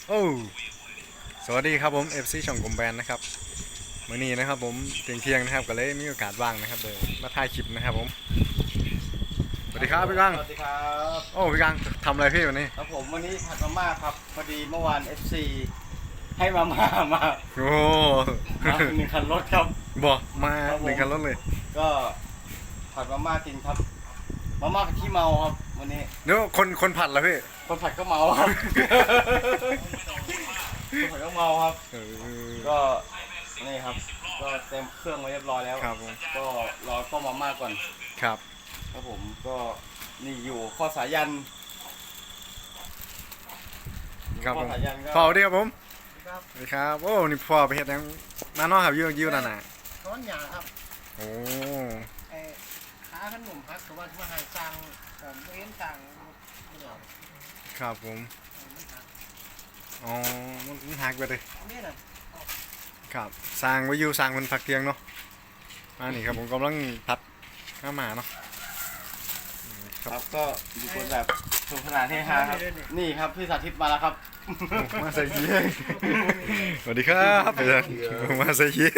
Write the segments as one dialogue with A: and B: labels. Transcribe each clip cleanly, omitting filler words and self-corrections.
A: โอ้สวัสดีครับผม FC ช่องกลมแบนนะครับมื้อนี้นะครับผมเที่ยงนะครับก็เลยมีโอกาสว่างนะครับเลยมาถ่ายคลิปนะครับผมสวัสดีครับพี่กัง
B: สวัสดีครับ
A: โอ้พี่กังทำอะไรพี่วันนี้
B: ครับผมวันนี้ผัดมาม่าครับพอดีเมื่อวาน FC ให้มาม่ามา
A: โอ้
B: มาหนึ่งคันรถครับ
A: บอกมา
B: ครับผม
A: หนึ่งคันรถเลย
B: ก็ผัดมาม่ากินครับมาม่าที่เมาครับวันนี้
A: เดี๋ยวคนผัดละพี่
B: คนผัดก็เมาครับคนผัดก็เมาครับ
A: เออ
B: ก็นี่ครับก็เต็มเครื่องไว้เรียบร้อยแล้ว
A: ครับผม
B: ก็รอต้มมาม่าก่อน
A: ครับ
B: ครับผมก็นี่อยู่ข้อสายัน
A: ครับผม
B: ข้อสายันก็
A: พ่อสวัสดีครับผม
C: ครับ
A: สวัสดีครับโอ้นี่พ่อไปเฮ็ดหยังมาเนาะครับยิ้วนั่นน่ะ
C: ร้อนหยาครับ
A: โอ้
C: ไอ้ขาขนมพักแต่ว่าที่ว่าหางสั่งผมไม่เห็นสั่งเดี๋ยว
A: ครับผม
C: มันหัก
A: อ๋อมันหักไปเลย
C: นี่น่ะ
A: ครับสร้างไว้อยู่สร้างมันพักเที่ยงเนาะมานี่ครับผมกำลังพัดข้าวหมาเนาะ
B: ครับก็อยู่คนแบบสนุกสนานเฮฮาครับนี่ครับพี่สาธิตมาแล้วครับ
A: มาใส่ยีสวัสดีครับอาจารย์มาใส่ยี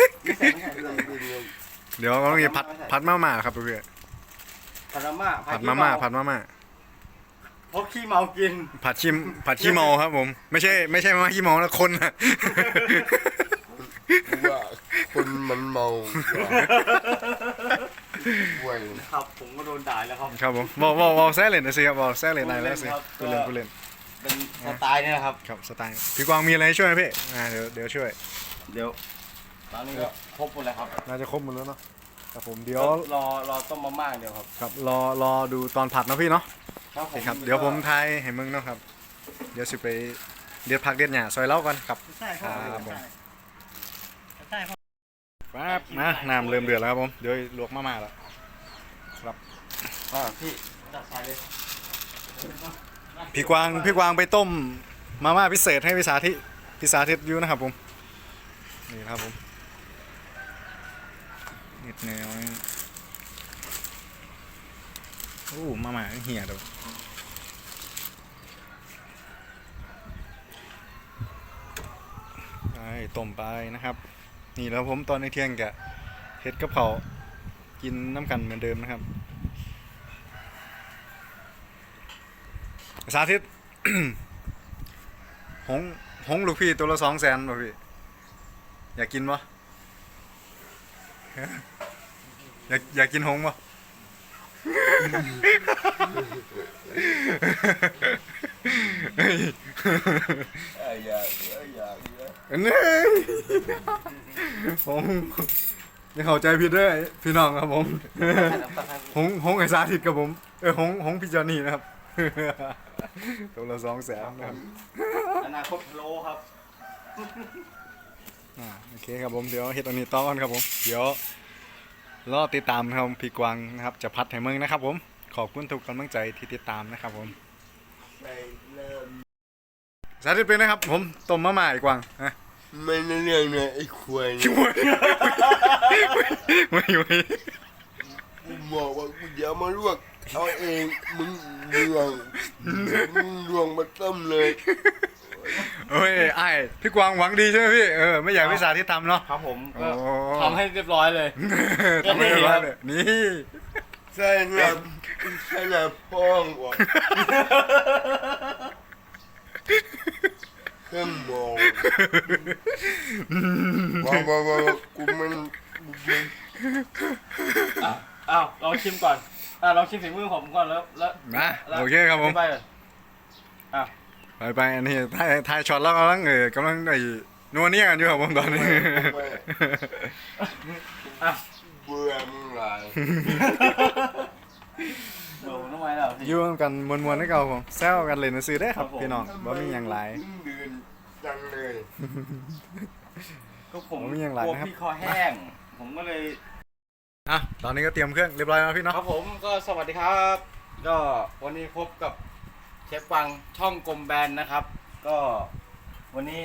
A: เดี๋ยวกำลังจะพัดมาม่าครับเพื่อน
B: ผัดมาม่า
A: ผัดมาม่าผัดมาม่า
B: เพราะขี้เมากิน
A: ผัดขี้เมาครับผมไม่ใช่มาม่าขี้เมานะคนนะ
D: ว่าคนมันเมาห่วย
B: ครับผมก็โดนด่าแล้วครับ
A: ครับผมบอกแซ่เล่นนะสิครับบอกแซ่เล่นนายแล้วสิกูเล่น
B: เป็นสไตล์นี่นะครับ
A: ครับสไตล์พี่กวางมีอะไรให้ช่วยไหมพี่เดี๋ยวช่วย
B: เดี๋ยวตอนนี้ก็ครบหมดแล้วครับ
A: น่าจะครบหมดแล้วเนาะครับผมเดี๋ยว
B: รอต้มมาม่าเดียวครับ
A: ครับรอดูตอนผัดนะพี่เนาะ
B: ครับ
A: โอเคครับเดี๋ยวผมทายให้มึงเนาะครับเดี๋ยวสิไปเดี๋ยวพักเด็ดหญ้าซอยเล้าก่อนครับ
C: ใช่พ่อ
A: ครับผม
C: ใช่พ่อ
A: ครับมาน้ำเริ่มเดือดแล้วครับผมเดี๋ยวลวกมาม่าแล้ว
B: พี่จัดใส่เลย
A: พี่กวางไปต้มมาม่าพิเศษให้พิสาธิตอยู่นะครับผมนี่ครับผมนิดแนวโอ้มาม่าเหี่ยเดี๋ยวไปต้มไปนะครับ นี่แล้วผมตอนในเที่ยงกะเฮ็ดกับเขาวกินน้ำกันเหมือนเดิมนะครับสาธิต หงลูกพี่ตัวละ200,000ป่ะพี่อยากกินปะ อยากกินหงปะ
D: อยาก
A: นี่หงไม่เข้าใจผิดด้วยพี่น้องครับผม หงไอ้สาธิตกับผมหงพี่จอนี่นะครับ ตัวละ200,000นะครับ
B: อนาคตโลครับ
A: โอเคครับผมเดี๋ยวเฮ็ดอันนี้ต่อกันครับผมเดี๋ยวรอติดตามครับพี่กวางนะครับจะพัดให้มึงนะครับผมขอบคุณทุกกำลังใจที่ติดตามนะครับผม
D: ไปเริ่ม
A: สาธิตเป็นนะครับผมต้มมาม่าอีกกวางนะ
D: ไม่ในเรื่องเนี่ยไอ้ควาย
A: ช่วยไม่
D: กูบอกว่ากูจะมาลวกเอาเองมึงลวงมาต้มเลย
A: เฮ้ยไอ้พี่กวางหวังดีใช่ไหมพี่ไม่อยากให้พี่สาธิตทำเนาะ
B: ครับผมก็
A: โอ้
B: ทำให้เรียบร้อยเลย
A: ทำไม่ได้เลยนี่
D: ใช่ครับใช่แล้วพ่องว่ะเครื่องมองว่ากูมัน
B: อ้าวลองชิมก่อนลองชิมฝีมือผมก่อนแล้ว
A: นะโอเคครับผม
B: ไปเลยอ้าว
A: ไปอันนี้ถ่ายช็อตแล้วกำลังไอ้นัวเนียกันอยู่ครับผมตอนนี้
B: อ่ะ
D: เบื่อมึงหลาย
B: โดนทำไมล่ะพี่
A: อยู่กันมวนๆให้เก่าผมแซวกันเลยนะซื้อได้ครับพี่น้องบ่มีหยังหลาย
D: เดือนจังเลย
B: ก็ผม
A: ผมยังหลาย
B: กลัว
A: นะครับ
B: พี่คอแห้ง ผมก็เลย
A: อ่ะตอนนี้ก็เตรียมเครื่องเรียบร้อยแล้วพี่เนาะ
B: ครับผมก็สวัสดีครับ ก็วันนี้พบกับเชฟกวางช่องกลมแบนนะครับ ก็วันนี้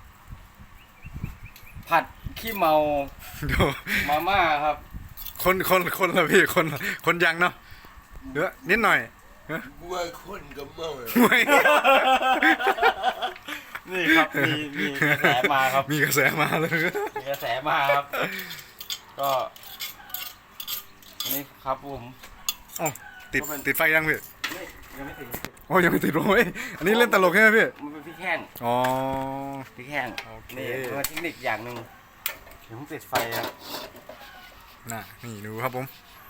B: ผัดขี้เมา
A: เดี๋ยว
B: มาม่าครับ
A: คนละพี่คนยังเนาะเดี๋ยวนิดหน่อย
D: กูว่าคนกับเมาเลย
A: ไม่
B: นี่นี่ครับมีกระแสมาครับ
A: มีกระแสมาเลย
B: มีกระแสมาครับ ก็อันนี้ครับผม
A: เอ้าติด
B: ก็เป็น
A: ติดไฟยังพี่
B: นี่ยังไม่ถึง
A: โอ้ยังไม่ติดโอ้ยอันนี้เล่นตลกใช่ไหมพี่
B: มันเป็นพริกแห้ง
A: อ๋อ
B: พริกแห้ง
A: โอเค
B: นี่เป็นเทคนิคอย่างหนึ่งถึงติดไฟครับ
A: น่ะนี่ดูครับผม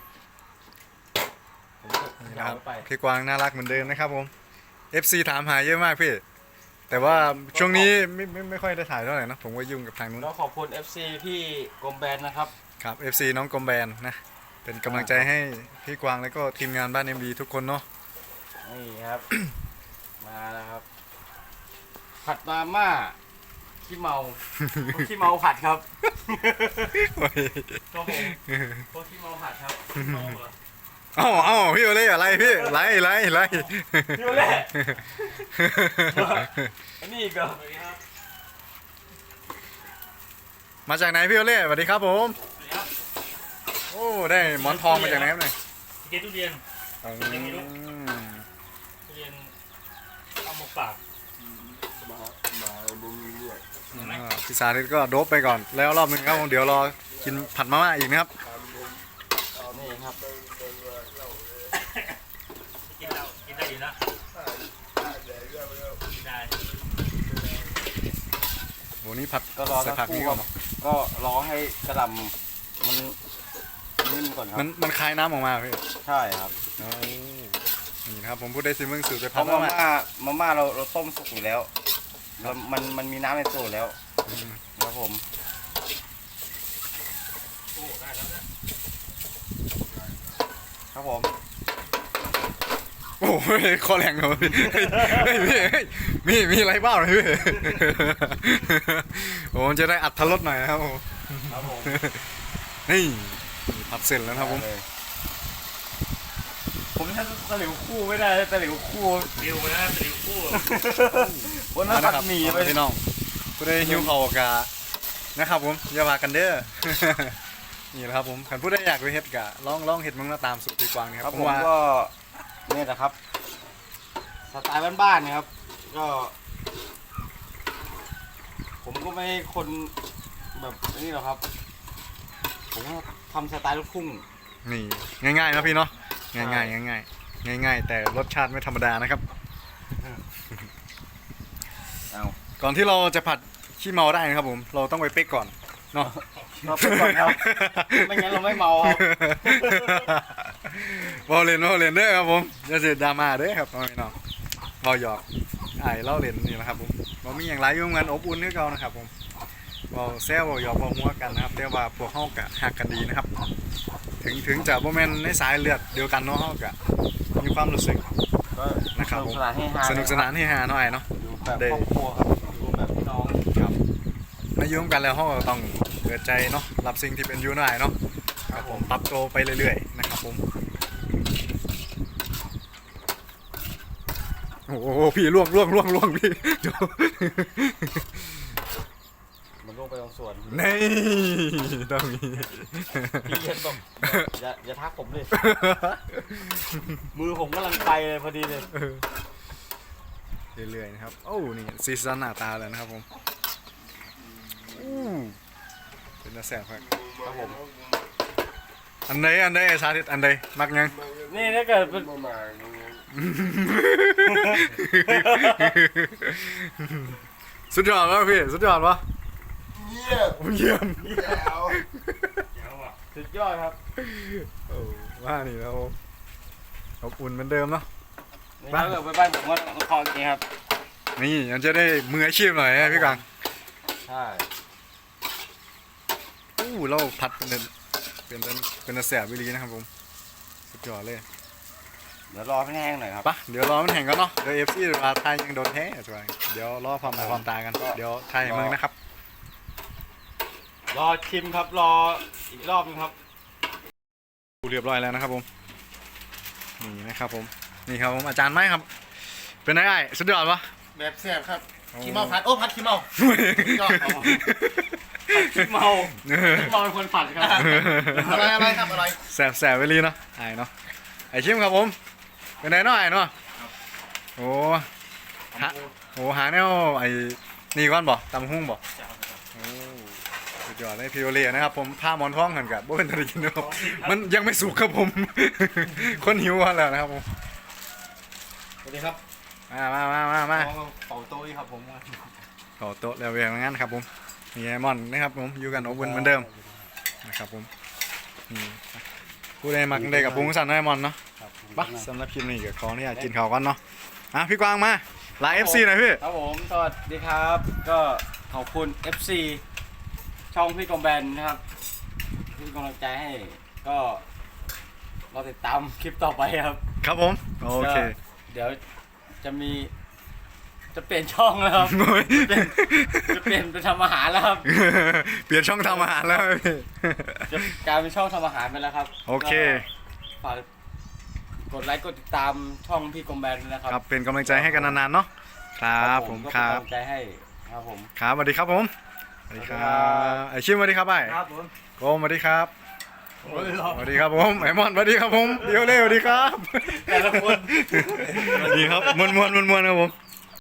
B: ผม
A: นี่นะครับ
B: ไป
A: พี่กวางน่ารักเหมือนเดิมนะครับผม FC ถามหาเยอะมากพี่ แต่ว่าช่วงนี้ไม่ค่อยได้ถ่ายเท่าไหร่นะผมก็ยุ่งกับทางนู้น
B: ก็ขอบคุณ FC พี่กรมแบนนะครับ
A: ครับ FC น้องกอมแบนนะ เป็นกำลังใจให้พี่กวางแล้วก็ทีมงานบ้าน MD ทุกคนเนาะ
B: นี่ครับ มาแล้วครับ ผัดมาม่าขี้เมา ขี้เมาผัดครับ
A: โอ้ย
B: ก็ผมพวกขี้เมาผัดครับขี้เมาเหรอ
A: เอ้าพี่โอเล่อะไรพี่ไล่
B: พี่โอเล่ อันนี้อีกเหรอ
A: มาจากไหนพี่โอเล่สวัสดีครับผมโอ้ได้หมอนทองมาจากไหนครับเนี่ย
E: เกทุเรียน
A: อืม
E: ทุเรียนเอาหมกปาก
D: มามึงด้วย
A: พี่สาธิตก็โดบไปก่อนแล้วรอบหนึงครับผมเดี๋ยวรอกินผัดมาม่าอีกนะครับ
B: นี่ครับ
E: กินได้อยู่นะกินได้
A: โหนี่ผัด
B: ก็รอ
A: ใส่
B: สัก
A: ผัก
B: ครู่
A: นี่
B: ค
A: ก่
B: รั
A: อน
B: บก็รอให้กระหลำมันนิ่มก่อนครับ
A: มันคายน้ำออกมาพี่
B: ใช่ครับ
A: โอ้นี่นะครับผมพูดได้ซิมึงสูตรไป
B: เพ
A: ผัด
B: ราะ
A: มา
B: มา
A: ม่า
B: ม่าเราต้มสุกอยู่แล้วแล้วมันมีน้ำในตัวแล้ว
A: อืม
B: ครับผม
E: โอ้ได้แล้วนะ
B: ครับผม
A: โอ้ยคอแรงเลยพี่เฮ้ยพี่เฮ้ยมีอะไรบ้างเลยพี่โอ้จะได้อัดทรสหน่อยนะครับผม
B: ครับผม
A: นี่ผัดเสร็จแล้วนะครับผม
B: ได้เลยผมถ้าตะหลิวคู่ไม่ได้ตะหลิวคู่
E: เร็วนะสลิวคู่
B: วันนั้นผัดหมี่ไป
A: พี่น้องก็ได้หิวเข่าวกะนะครับผมอย่าว่ากันเด้อ นี่แหละครับผมขันพูดได้อยากไปเฮ็ดกะลองเฮ็ดมึงมาตามสูตรพี่กวางนี่
B: ค
A: ค
B: รั
A: รั
B: บบ ผม
A: ว่า
B: ก็เนี่ยนะครับสไตล์บ้านๆนะครับ ก็ ผมก็ไม่คนแบบนี้หรอกครับ ผมก็ทำสไตล์ลูกทุ่ง
A: นี่ง่ายๆนะพี่เนาะง่ายๆง่ายๆแต่รสชาติไม่ธรรมดานะครับ
B: เอา
A: ก่อนที่เราจะผัดขี้เมาได้นะครับผมเราต้องไปเป๊กก่อนเนาะ
B: เราไปก่อนครับ ไม่งั้นเราไม่เมาครับ
A: บอลเล่นเด้อครับผมอย่าเสียดราม่าเด้อครับพี่น้องบอหยอกไอ้เล่าเล่นนี่แหละครับผมบอมีอย่างไรยุ่งงานอบอุ่นคือเก่านะครับผมบอแซวบอหยอกบอหัวกันนะครับแต่ว่าพวกเฮากะหักกันดีนะครับ ถึงจะบ่แม่นในสายเลือดเดียวกันเนาะเฮากะมีความรู้สึก
B: ก็
A: นะครับ
B: ส
A: ผ
B: นุก
A: ม
B: สนานให้ฮา
A: สนุกสนานให้ฮาหน่อยเนาะ
B: อยู่แบบครอบครัวครับอยู่แบบพี่น้อง
A: ครับมายุ่งกันแล้วเฮาก็ต้องเปิดใจเนาะรับสิ่งที่เป็นอยู่หน่อยเนาะครับผมปรับตัวไปเรื่อยๆนะครับผมโอ้โหพี่ล่วงพี่ เดี๋ยว
B: มันลงไปตรงส่วน
A: นี่ต้องมี
B: พี่อย่าตกอย่าทักผมเลย มือผมกำลังไปเลยพอดีเลย
A: เรื่อยๆนะครับโอ้นี่ซีซันหน้าตาเลยนะครับผมอู้เป็นตาแสบครับ
B: ครับผม
A: อันใดไอ้สาธิตอันใดมักยัง
B: นี่ถ้าเกิดเป็น
D: มา
A: สุดยอดวะพี่สุดยอดวะ
D: เงียบ
A: เยี่ยม
D: แล้ว
E: เดี๋ยวอ่ะ
B: สุดยอดครับ
A: โอ้ว่านี่แล้วอบอุ่นเหมือนเดิมเนาะ
B: นี่ถ้าเกิดไปบ้านผมก็คออย่างนี้ครับ
A: นี่มันจะได้มืออาชีพหน่อยนะพี่กัง
B: ใช่
A: อู้เราผัดเป็นแสบวิลีนะครับผมสุดยอดเลย
B: เดี๋ยวรอให้แห้งหน่อยครับ
A: ปะเดี๋ยวรอมันแห่งกันเนาะเดี๋ยวเอฟซีมาไทยยังโดนแท้สวยเดี๋ยวรอความหมายความตากันเดี๋ยวไทยเมืองนะครับ
B: รอชิมครับรออีกรอบนึงครับ
A: เรียบร้อยแล้วนะครับผมนี่นะครับผมนี่ครับผมอาจารย์ไม้ครับ เป็นไงไอ้สุดยอดปะ
C: แบบแซ่บครับขี้เมาผัดโอ้ผัดขี้เมายอดครับ
B: ขี้เมาขี้เมาเป็นคนผัดครับ
C: อะไรครับอะไร
A: แสบไปลีเนาะไอ้เนาะไอ้ชิมครับผมเป็นไงเนาะไอ้เนาะโอ้หาแนวไอ้นี่ก่อนบ่ตำหุ้งบ่
E: จะเอาไปครับ
A: โอ้สุดยอดเลยพี่โอเล่นะครับผมผ้าหมอนท้องกันกับบ่เป็นตะกินนะครับมันยังไม่สุกครับผม คนหิวกันแล้วนะครับผม
B: สวัสดีครับ
A: มา
B: เป่าโต้ยครับผม
A: ขอโต๊ะแล้วเวียงงั้นครับผมนี่ไอมอนนะครับผมอยู่กันอบอุ่นเหมือนเดิมนะครับผมนี่ผู้ใดมักได้กับปุ้งสั่นไอมอนเนาะปะสำหรับคลิปนี้ก็ขออนุญาตกินข้าวก่อนเนาะพี่กวางมาไลน์ FC หน่อยพี่
B: ครับผมสวัสดีครับ ก็ขอบคุณ FC ช่องพี่กองแบนนะครับที่กำลังใจให้ก็รอติดตามคลิปต่อไปครับ
A: ครับผมโอเค
B: ก็เดี๋ยวจะมีจะเปลี่ยนช่องแล้วครับ จะเปลี่ยนไปทำอาหารแล้วครับ
A: เปลี่ยนช่องทำอาหารแล้วพี่
B: จะกลายเป็นช่องทำอาหารไปแล้วครับ
A: โอเค
B: ก็ฝากกดไลค์กดติดตามช่องพี่กองแบนด้วยนะครับ
A: ครับเป็นกำลังใจให้กันนานๆเนาะครับผม
B: ก็
A: ค
B: เป็น
A: รับ
B: กำลังใจให้ครับผม
A: ครับสวัสดีครับผมสวัสดีครับไอชิมสวัสดีครับไอ
B: ครับผม
A: โกมสวัสดีครับสวัสดีครับผมไอมอนสวัสดีครับผมเดียวเล่สวัสดีครับ
B: แต่ละคน
A: สวัสดีครับมวนครับผม